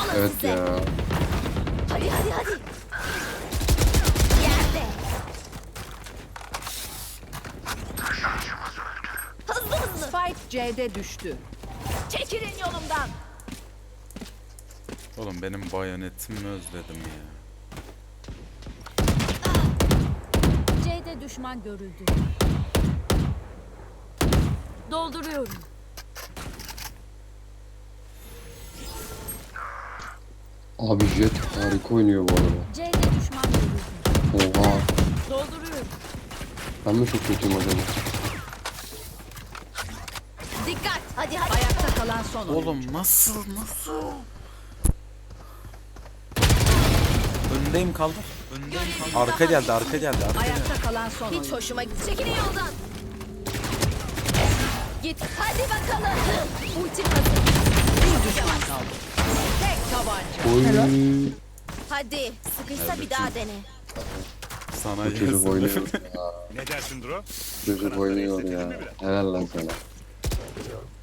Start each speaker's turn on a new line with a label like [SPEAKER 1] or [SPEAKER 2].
[SPEAKER 1] Evet
[SPEAKER 2] size.
[SPEAKER 1] ya.
[SPEAKER 2] Hadi. Yerde. Hızlı.
[SPEAKER 3] Spike C'de düştü.
[SPEAKER 2] Çekilin yolumdan.
[SPEAKER 4] Oğlum benim bayonetimi özledim ya.
[SPEAKER 2] C'de düşman görüldü. Dolduruyorum.
[SPEAKER 1] Abi Jet harika oynuyor bu arada.
[SPEAKER 2] C'de düşman görüldü.
[SPEAKER 1] Oha.
[SPEAKER 2] Dolduruyorum.
[SPEAKER 1] Ben mi çok kötüyüm acaba?
[SPEAKER 2] Dikkat. Hadi.
[SPEAKER 3] Ayakta kalan son oyuncu.
[SPEAKER 4] Oğlum nasıl? Öndeyim kaldır. Arka geldi.
[SPEAKER 3] Ayakta kalan son
[SPEAKER 2] Hiç
[SPEAKER 3] oyuncu.
[SPEAKER 2] hoşuma gitti. Çekilin yoldan. Git. Hadi bakalım. Ultim hazır.
[SPEAKER 3] Bir düşman kaldı. Tek tabanca.
[SPEAKER 1] Oy.
[SPEAKER 2] Hadi. Sıkışsa bir daha dene.
[SPEAKER 4] Sana
[SPEAKER 1] Bu çocuk
[SPEAKER 4] yazın.
[SPEAKER 1] oynuyor ya.
[SPEAKER 5] Ne dersin Dro?
[SPEAKER 1] Çocuk oynuyor ya. Helal lan sana.